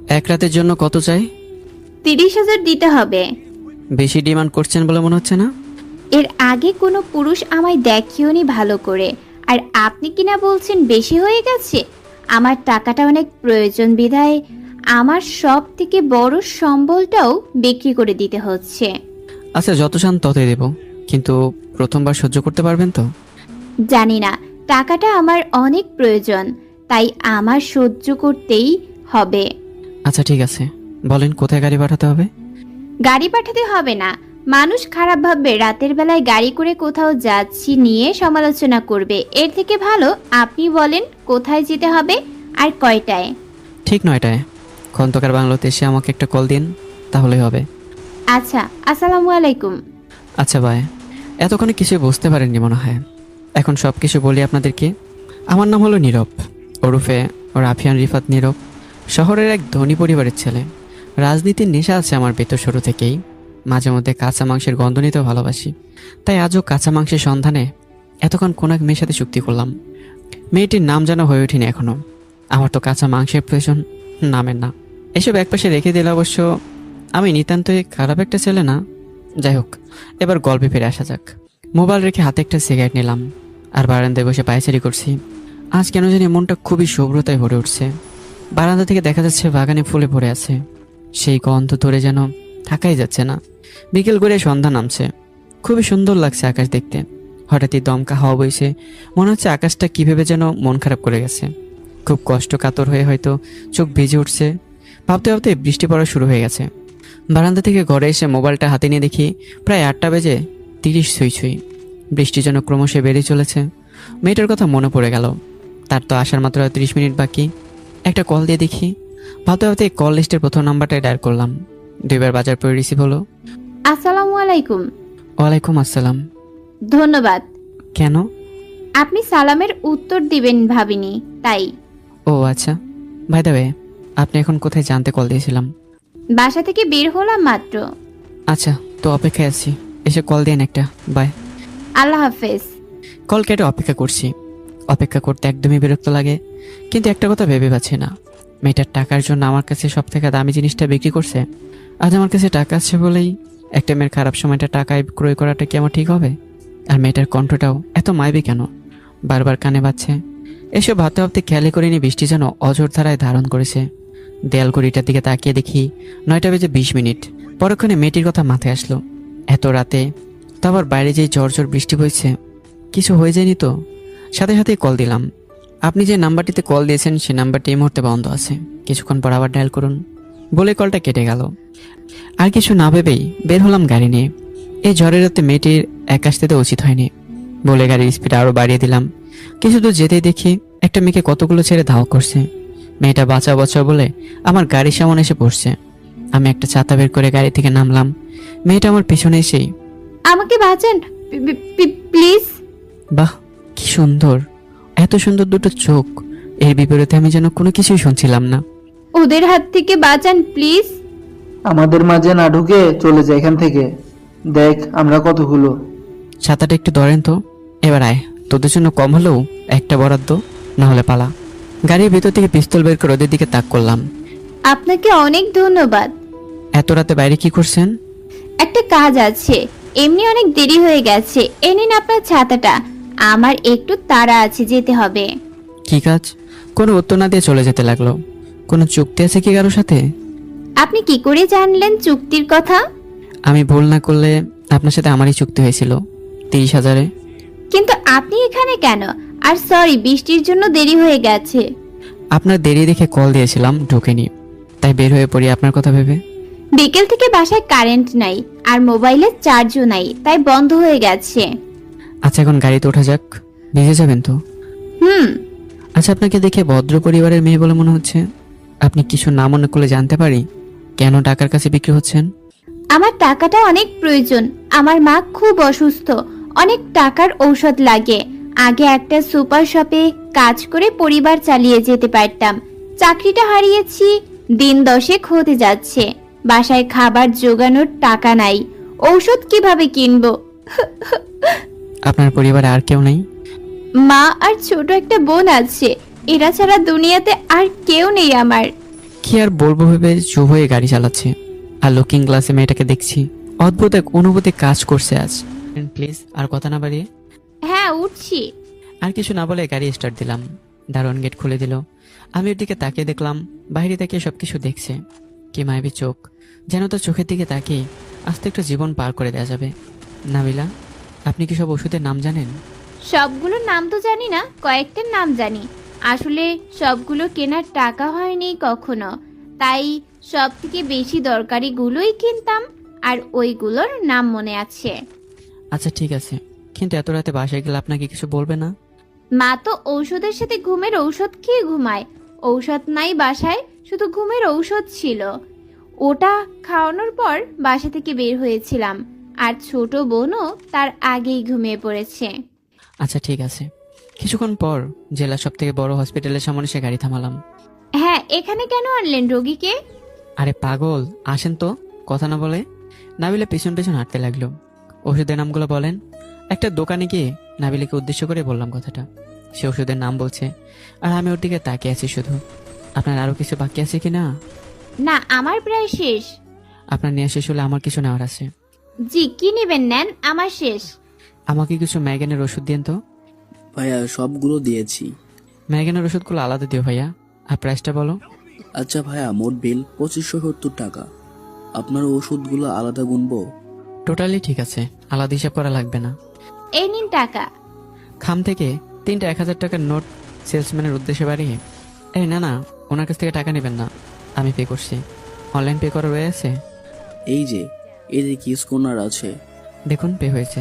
এক রাতের জন্য কত চাই? 30,000 দিতে হবে। বেশি ডিমান্ড করছেন বলে মনে হচ্ছে না। এর আগে কোনো পুরুষ আমায় দেখিওনি ভালো করে, আর আপনি কিনা বলছেন বেশি হয়ে গেছে। আমার টাকাটা অনেক প্রয়োজন বিধায় আমার সব থেকে বড় সম্বলটাও বিক্রি করে দিতে হচ্ছে। আচ্ছা, যত চান ততই দেব, কিন্তু প্রথমবার সহ্য করতে পারবেন তো? জানি না, টাকাটা আমার অনেক প্রয়োজন, তাই আমার সহ্য করতেই হবে। আচ্ছা ঠিক আছে, বলেন কোথায় গাড়ি পাঠাতে হবে? গাড়ি পাঠাতে হবে না, মানুষ খারাপ ভাববে রাতের বেলায় গাড়ি করে কোথাও যাচ্ছি নিয়ে সমালোচনা করবে। এর থেকে ভালো আপনি বলেন কোথায় যেতে হবে আর কয়টায়। ঠিক 9টায়। খন্দকার বাংলোতে এসে আমাকে একটা কল দিন, তাহলেই হবে। আচ্ছা, আসসালামু আলাইকুম। আচ্ছা বাই। এতক্ষণে কিছুই বুঝতে পারেননি মনে হয়, এখন সব কিছু বলি আপনাদেরকে। আমার নাম হলো নীরব, ওরফে রাফিয়ান রিফাত নীরব। শহরের এক ধনী পরিবারের ছেলে। রাজনীতির নেশা আছে আমার ভেতর শুরু থেকেই। মাঝে মধ্যে কাঁচা মাংসের গন্ধ নিতেও ভালোবাসি, তাই আজও কাঁচা মাংসের সন্ধানে এতক্ষণ কোন এক মেয়ের সাথে চুক্তি করলাম। মেয়েটির নাম যেন হয়ে ওঠেনি এখনও। আমার তো কাঁচা মাংসের প্রয়োজন, নামের না। এসব একপাশে রেখে দিলে অবশ্য আমি নিতান্তই খারাপ একটা ছেলে না। যাই হোক, এবার গল্পে ফিরে আসা যাক। মোবাইল রেখে হাতে একটা সিগারেট নিলাম, আর বারান্দায় বসে পায়চারি করছি। আজ কেন জানি মনটা খুবই শুভ্রতায় ভরে উঠছে। বারান্দা থেকে দেখা যাচ্ছে বাগানে ফুলে ভরে আছে, সেই গন্ধ ধরে যেন থাকাই যাচ্ছে না। বিকেল করে সন্ধ্যা নামছে, খুবই সুন্দর লাগছে আকাশ দেখতে। হঠাৎই দমকা হাওয়া বইছে, মনে হচ্ছে আকাশটা কীভাবে যেন মন খারাপ করে গেছে। খুব কষ্ট কাতর হয়ে হয়তো চোখ ভিজে উঠছে। ভাবতে ভাবতে বৃষ্টি পড়া শুরু হয়ে গেছে। বারান্দা থেকে ঘরে এসে মোবাইলটা হাতে নিয়ে দেখি প্রায় 8টা বেজে 30 ছুঁই ছুঁই। বৃষ্টি যেন ক্রমশ বেড়ে চলেছে। মেয়েটার কথা মনে পড়ে গেল, তার তো আসার মাত্র 30 মিনিট বাকি। একটা কল দিয়ে দেখি। ভাবতে ভাবতে কল লিস্টের প্রথম নাম্বারটাই ডায়াল করলাম। 2বার বাজার পরে রিসিভ হলো। আসসালামু আলাইকুম। ওয়ালাইকুম আসসালাম। ধন্যবাদ। কেন? আপনি সালামের উত্তর দিবেন ভাবিনি, তাই। ও আচ্ছা, ভাই দ্য ওয়ে, আপনি এখন কোথায় জানতে কল দিয়েছিলাম? বাসা থেকে বের হলাম মাত্র। আচ্ছা, তো অপেক্ষায় আছি, এসে কল দিন একটা। বাই। আল্লাহ হাফেজ। কল কেটে অপেক্ষা করছি। অপেক্ষা করতে একদমই বিরক্ত লাগে, কিন্তু একটা কথা ভেবে পাচ্ছি না। মেয়েটার টাকার জন্য আমার কাছে সব থেকে দামি জিনিসটা বিক্রি করছে। আজ আমার কাছে টাকা আছে বলেই একটা মেয়ের খারাপ সময়টা টাকায় ক্রয় করাটা কি আমার ঠিক হবে? আর মেয়েটার কণ্ঠটাও এত মাইবে কেন, বারবার কানে বাজছে। এসব ভাবতে ভাবতে খেয়ালি করিনি বৃষ্টি যেন অঝোর ধারায় ধারণ করেছে। দেয়াল ঘড়িটার দিকে তাকিয়ে দেখি 9টা বেজে 20 মিনিট। পরক্ষণে মেয়েটির কথা মাথায় আসলো। এত রাতে তো আবার বাইরে যেই ঝড় বৃষ্টি বইছে, কিছু হয়ে যায়নি তো? সাথে সাথেই কল দিলাম। আপনি যে নাম্বারটিতে কল দিয়েছেন সেই নাম্বারটি এই মুহূর্তে বন্ধ আছে, কিছুক্ষণ পর আবার ডায়াল করুন বলে কলটা কেটে গেল। আর কিছু না ভেবেই বের হলাম গাড়ি নিয়ে। এই ঝড়ের রাতে মেয়েটির এক আসতে তো উচিত হয়নি বলে গাড়ির স্পিড আরও বাড়িয়ে দিলাম। কিছু দূর যেতেই দেখি একটা মেয়েকে কতগুলো ছেড়ে ধাওয়া করছে। মেয়েটা বাঁচাও বাঁচাও বলে আমার গাড়ির সামনে এসে পড়ছে। আমি একটা ছাতা বের করে গাড়ি থেকে নামলাম। মেয়েটা আমার পিছনে এসেই, আমাকে বাঁচান প্লিজ। বাহ, কি সুন্দর, এত সুন্দর দুটো চোখ। এর বিপরীতে আমি যেন কোনো কিছুই শুনছিলাম না। ওদের হাত থেকে বাঁচান প্লিজ। আমাদের মাঝে না ঢুকে চলে যায় এখান থেকে। দেখ আমরা কতগুলো। ছাতাটা একটু ধরেন তো। এবার আয়, তোদের জন্য কম হলেও একটা বরাদ্দ, না হলে পালা। গাড়ির ভিতর থেকে পিস্তল বের করে ওদের দিকে তাক করলাম। আপনাকে অনেক ধন্যবাদ। এত রাতে বাইরে কি করছেন? একটা কাজ আছে, এমনি অনেক দেরি হয়ে গেছে। এ নিন আপনার ছাতাটা, আমার একটু তাড়া আছে, যেতে হবে। কি কাজ? কোনো উত্তর না দিয়ে চলে যেতে লাগলো। কোনো চুক্তি আছে কি কারোর সাথে? আপনি কি করে জানলেন চুক্তির কথা? আমি ভুল না করলে আপনার সাথে আমারই চুক্তি হয়েছিল 30,000-এ। কিন্তু আপনি এখানে কেন? আর সরি, বৃষ্টির জন্য দেরি হয়ে গেছে। আপনার দেরি দেখে কল দিয়েছিলাম, ঢোকেনি, তাই বের হয়ে পড়ি আপনার কথা ভেবে। বিকেল থেকে বাসায় কারেন্ট নাই, আর মোবাইলের চার্জও নাই, তাই বন্ধ হয়ে গেছে। আচ্ছা, এখন গাড়িতে ওঠা যাক। ভিজে যাবেন তো? আচ্ছা, আপনাকে দেখে ভদ্র পরিবারের মেয়ে বলে মনে হচ্ছে। আপনি কিছু না মনে করলে জানতে পারি কেন টাকার কাছে বিক্রি হচ্ছেন? আমার টাকাটা অনেক প্রয়োজন। আমার মা খুব অসুস্থ, অনেক টাকার ঔষধ লাগে। আগে একটা সুপার শপে কাজ করে পরিবার চালিয়ে যেতে পারতাম। চাকরিটা হারিয়েছি, দিন 10 হতে যাচ্ছে। বাসায় খাবার জোগানোর টাকা নাই, ঔষধ কিভাবে কিনবো? আপনার পরিবারে আর কেউ নেই? মা আর ছোট একটা বোন আছে, এরা ছাড়া দুনিয়াতে আর কেউ নেই আমার। কি আর বলবো ভেবে চুপ হয়ে গাড়ি চালাচ্ছে, আর লুকিং গ্লাসে মেয়েটাকে দেখছি। অদ্ভুত এক অনুভূতি কাজ করছে আজ। প্লিজ আর কথা না বাড়িয়ে। হ্যাঁ, উঠছি। আর কিছু না বলে গাড়ি স্টার্ট দিলাম। দারোয়ান গেট খুলে দিল। আমি ওর দিকে তাকিয়ে দেখলাম, বাইরে তাকিয়ে সবকিছু দেখছে। কি মায়াবী চোখ, যেন তার চোখের দিকে তাকিয়ে আস্তে একটা জীবন পার করে দেওয়া যাবে। নাবিলা, আপনি কি সব ওষুধের নাম জানেন? সবগুলোর নাম তো জানি না, কয়েকটার নাম জানি। আসলে সবগুলো কেনার টাকা হয়নি কখনো, তাই সব থেকে বেশি দরকারি গুলোই কিনতাম, আর ওইগুলোর নাম মনে আছে। আচ্ছা ঠিক আছে, কিন্তু এত রাতে বাসায় গেলে আপনাকে কিছু বলবে না? মা তো ঔষধের সাথে ঘুমের ঔষধ খেয়ে ঘুমায়। ঔষধ নাই বাসায়, শুধু ঘুমের ঔষধ ছিল। ওটা খাওয়ানোর পর বাসা থেকে বের হয়েছিলাম, আর ছোট বোনও তার আগেই ঘুমিয়ে পড়েছে। আচ্ছা ঠিক আছে। কিছুক্ষণ পর জেলার সব থেকে বড় হসপিটালের সামনে সে গাড়ি থামালাম। হ্যাঁ, এখানে কেন আনলেন রোগীকে? আরে পাগল, আসেন তো। কথা না বলে নাবিলা পেছন পেছন হাঁটতে লাগলো। ওষুধের নামগুলো বলেন। একটা দোকানে গিয়ে নাবিলাকে উদ্দেশ্য করে বললাম কথাটা। সে ওষুধের নাম বলছে, আর আমি ওর দিকে তাকিয়ে আছি শুধু। আপনার আরো কিছু বাকি আছে কি না? না, আমার প্রায় শেষ। আপনার নেওয়া শেষ হলে আমার কিছু নেওয়ার আছে। জি, কি নেবেন নেন, আমার শেষ। আমাকে কিছু ম্যাগেনের ওষুধ দিন তো। ভাইয়া সবগুলো দিয়েছি। ম্যাগেনের ওষুধগুলো আলাদা দিও ভাইয়া। আর প্রাইসটা বলো। আচ্ছা ভাইয়া, মোট বিল 2570 টাকা। আপনার ওষুধগুলো আলাদা গুনবো? টোটালি ঠিক আছে, আলাদা হিসাব করা লাগবে না। এই নিন টাকা। খাম থেকে 3টা 1000 টাকার নোট সেলসম্যানের উদ্দেশ্যে বাড়িয়ে, এই না না, ওনার কাছ থেকে টাকা নেবেন না, আমি পে করছি। অনলাইন পে করা রয়েছে? এই যে এদের কি স্কোনার আছে? দেখুন পে হয়েছে।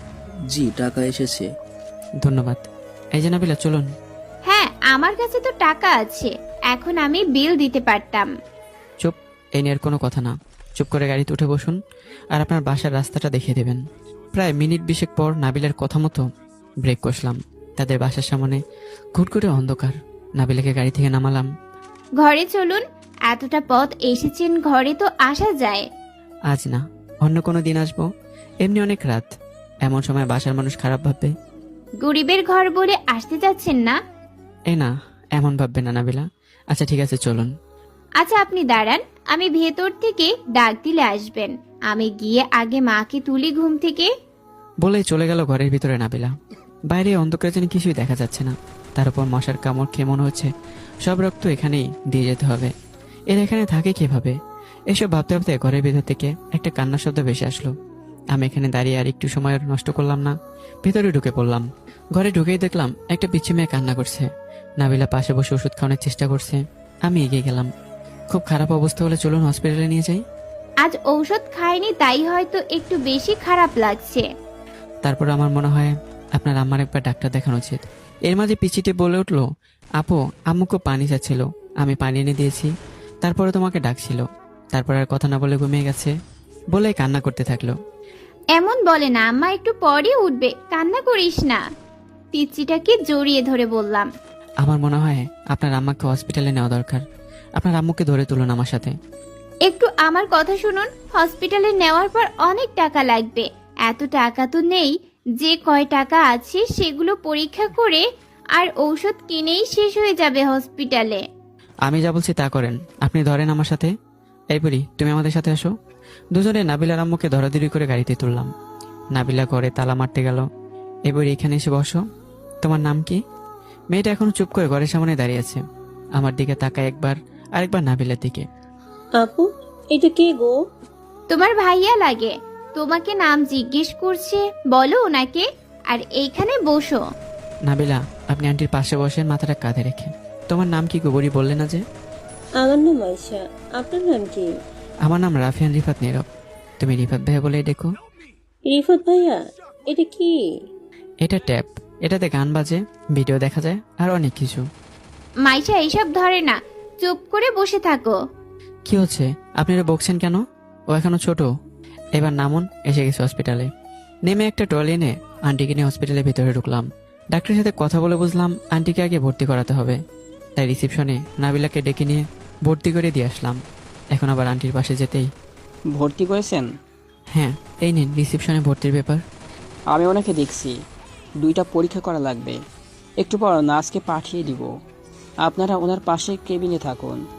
জি, টাকা এসেছে। ধন্যবাদ। এই যে নাবিলা, চলুন। হ্যাঁ, আমার কাছে তো টাকা আছে, এখন আমি বিল দিতে পারতাম। চুপ, এই নিয়ে আর কোনো কথা না। চুপ করে গাড়িতে উঠে বসুন, আর আপনার বাসার রাস্তাটা দেখিয়ে দেবেন। প্রায় মিনিট 20 পর নাবিলার কথা মতো ব্রেক কষলাম। তাদের বাসার সামনে ঘুট করে অন্ধকার। নাবিলাকে গাড়ি থেকে নামালাম। ঘরে চলুন, এতটা পথ এসেছেন, ঘরে তো আসা যায়। আজ না, অন্য কোনো দিন আসবো। এমনি অনেক রাত, এমন সময় বাসার মানুষ খারাপ ভাববে। গরিবের ঘর বলে আসতে যাচ্ছেন না? এই না, এমন ভাববে না নাবিলা। আচ্ছা ঠিক আছে, চলুন। আচ্ছা আপনি দাঁড়ান, আমি ভেতর থেকে ডাক দিলে আসবেন। আমি গিয়ে আগে মাকে তুলি ঘুম থেকে। বলেই চলে গেল ঘরের ভিতরে নাবিলা। বাইরে অন্ধকারে যেন কিছুই দেখা যাচ্ছে না। তার উপর মশার কামড় খেয়ে মনে হচ্ছে সব রক্ত এখানেই দিয়ে যেতে হবে। এরা এখানে থাকে কিভাবে? এসব ভাবতে ভাবতে ঘরের ভিতর থেকে একটা কান্নার শব্দ ভেসে আসলো। আমি এখানে দাঁড়িয়ে আর একটু সময় নষ্ট করলাম না, ভেতরে ঢুকে পড়লাম। ঘরে ঢুকেই দেখলাম একটা পিচ্ছি মেয়ে কান্না করছে। নাবিলা পাশে বসে ওষুধ খাওয়ানোর চেষ্টা করছে। আমি এগিয়ে গেলাম। খুব খারাপ অবস্থা হলে চলুন হসপিটালে নিয়ে যাই। আজ ঔষধ খাইনি, তাই হয়তো একটু বেশি খারাপ লাগছে। তারপর আমার মনে হয় আপনার আম্মার একবার ডাক্তার দেখানো উচিত। এর মাঝে পিচিতে বলে উঠলো, আপু আম্মুকে পানি চাচ্ছিল, আমি পানি এনে দিয়েছি। তারপরে তোমাকে ডাকছিল। তারপর আর কথা না বলে ঘুমিয়ে গেছে বলে কান্না করতে থাকলো। এমন বলে না, আম্মা একটু পরে উঠবে, কান্না করিস না। পিচ্চিটাকে জড়িয়ে ধরে বললাম। আমার মনে হয় আপনার আম্মাকে হসপিটালে নেওয়া দরকার। আপনার আম্মুকে ধরে তুলুন আমার সাথে। একটু আমার কথা শুনুন, হসপিটালে নেওয়ার পর অনেক টাকা লাগবে। এত টাকা তো নেই, যে কয় টাকা আছে সেগুলো পরীক্ষা করে আর ঔষধ কিনেই শেষ হয়ে যাবে হসপিটালে। আমি যা বলছি তা করেন। আপনি ধরেন আমার সাথে। এই বুড়ি, তুমি আমাদের সাথে আসো। দুজনে নাবিলার আম্মুকে ধরাধরি করে গাড়িতে তুললাম। নাবিলা ঘরে তালা মারতে গেল। এই বুড়ি, এখানে এসে বসো। তোমার নাম কি? মেয়েটা এখনো চুপ করে ঘরের সামনে দাঁড়িয়ে আছে। আমার দিকে তাকায় একবার, আরেকবার নাবিলার দিকে। আপু, এটা কে গো? তোমার ভাইয়া লাগে, তোমাকে নাম জিজ্ঞেস করছে, বলো ওনাকে। আর এইখানে বসো। নাবিলা, আপনি আন্টির পাশে বসেন, মাথাটা কাঁধে রেখে। তোমার নাম কি গো বুড়ি, বললে না যে? আমার নাম আয়শা, আপনার নাম কি? আমার নাম রাফিয়ান রিফাত নীরব। তুমি রিফাত ভাইয়া বলে ডেকো। রিফাত ভাইয়া, এটা কি? এটা ট্যাপ, এটাতে গান বাজে, ভিডিও দেখা যায়, আর অনেক কিছু। মাইশা এইসব ধরে না, চুপ করে বসে থাকো। কি হচ্ছে? আপনি এটা বকছেন কেন? ও এখনো ছোট। এবার নামুন, এসে গেছে হসপিটালে। নেমে একটা ট্রলি এনে আন্টিকে নিয়ে হসপিটালের ভিতরে ঢুকলাম। ডাক্তারের সাথে কথা বলে বুঝলাম আন্টিকে আগে ভর্তি করাতে হবে। তাই রিসেপশনে নাবিলাকে ডেকে নিয়ে ভর্তি করে দিয়ে আসলাম। এখন আবার আন্টির পাশে যেতেই, ভর্তি করেছেন? হ্যাঁ এই নিন রিসেপশনে ভর্তির ব্যাপার। আমি ওনাকে দেখছি, 2টা পরীক্ষা করা লাগবে। একটু পর নার্সকে পাঠিয়ে দিব। আপনারা ওনার পাশে কেবিনে থাকুন।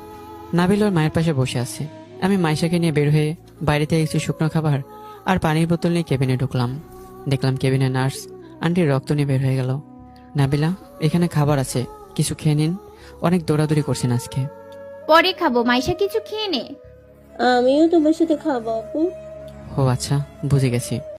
নাবিল ওর মায়ের পাশে বসে আছে। আমি মাইশাকে নিয়ে বের হয়ে বাইরে থেকে কিছু শুকনো খাবার আর পানির বোতল নিয়ে কেবিনে ঢুকলাম। দেখলাম কেবিনে নার্স আন্টির রক্ত নিয়ে বের হয়ে গেল। নাবিলা, এখানে খাবার আছে, কিছু খেয়ে নিন। অনেক দৌড়াদৌড়ি করছেন আজকে। পরে খাবো, মাইশা কিছু খেয়ে নে। আমিও তোমার সাথে খাবো আপু। ও আচ্ছা, বুঝে গেছি।